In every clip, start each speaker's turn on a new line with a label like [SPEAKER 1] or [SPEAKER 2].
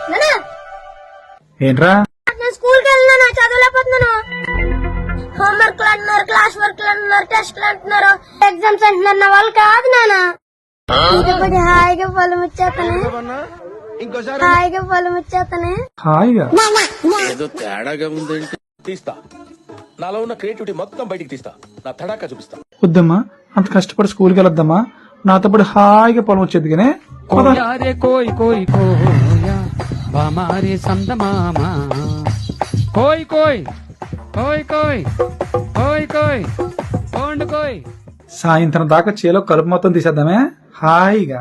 [SPEAKER 1] ఏంట్రా?
[SPEAKER 2] నేను స్కూల్ కి వెళ్ళినా చదవలేకపోతున్నాను. హోంవర్క్ అంటున్నారు, క్లాస్ వర్క్ అంటున్నారు, టెస్ట్ అంటున్నారు, ఎగ్జామ్స్ అంటున్నారు. నా వాళ్ళు కాదు నాన్న. హాయిగా పొలం వచ్చేస్తానే, హాయిగా పొలం వచ్చేస్తానే.
[SPEAKER 1] హాయిగా
[SPEAKER 3] ఏదో తేడాగా ఉందేంటి? తీస్తా, నాలో ఉన్న క్రియేటివిటీ మొత్తం బయటికి తీస్తా, నా తడాకా చూపిస్తా.
[SPEAKER 1] వద్దమ్మా, అంత కష్టపడి స్కూల్కి వెళ్ళొద్దమ్మా. నాతో పాటు హాయిగా పొలం వచ్చేది కానీ
[SPEAKER 4] కోయ్ కోయ్ కోయా బామారే సందమామా కోయ్ కోయ్ కోయ్ కోయ్ కోయ్ కోయ్ కోండ్ కోయ్.
[SPEAKER 1] సాయంత్రం దాకా చేలో కలుపు మొత్తం తీసేద్దామే హాయిగా.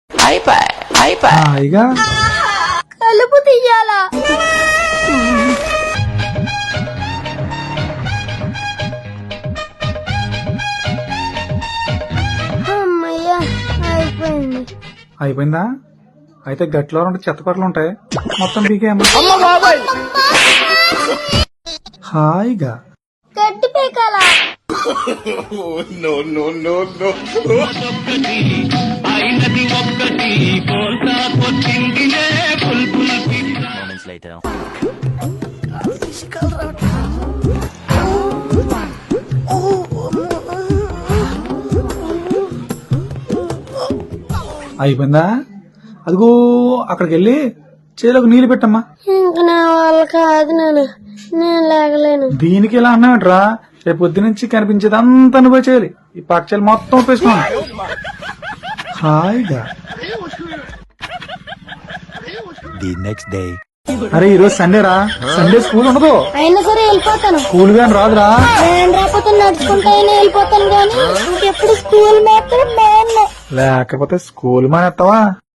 [SPEAKER 1] హాయిగా
[SPEAKER 2] కలుపు తీయాలా? అమ్మయ్యా, అయిపోయింది.
[SPEAKER 1] అయిపోయిందా? అయితే గట్లో రెండు చెత్తపట్లు ఉంటాయి, మొత్తం పీకేయమ్మా. హాయిగా
[SPEAKER 2] గడ్డి పీకాలా?
[SPEAKER 1] అయిపోయిందా? అదిగో అక్కడికి వెళ్ళి చేలోకి నీళ్లు పెట్టమ్మా.
[SPEAKER 2] ఇంక నా వాళ్ళు కాదు నాన్న, నేను లేగలేను.
[SPEAKER 1] దీనికి ఇలా అన్నామంటరా? రేపు పొద్దు నుంచి కనిపించేది అంతా అనుభవం చేయాలి. ఈ పక్షాలు మొత్తం ఉపయోగించుకోండి హాయిగా. అరే ఈ రోజు సండే రా, సండే స్కూల్ ఉండదు.
[SPEAKER 2] అయినా సరే వెళ్ళిపోతాను.
[SPEAKER 1] స్కూల్ గాని రాదురా.
[SPEAKER 2] నేను రాకపోతే నడుచుకుంటా వెళ్ళిపోతాను, కానీ ఇంకెప్పుడు స్కూల్ మాత్రం
[SPEAKER 1] లేకపోతే స్కూల్ మానేస్తావా?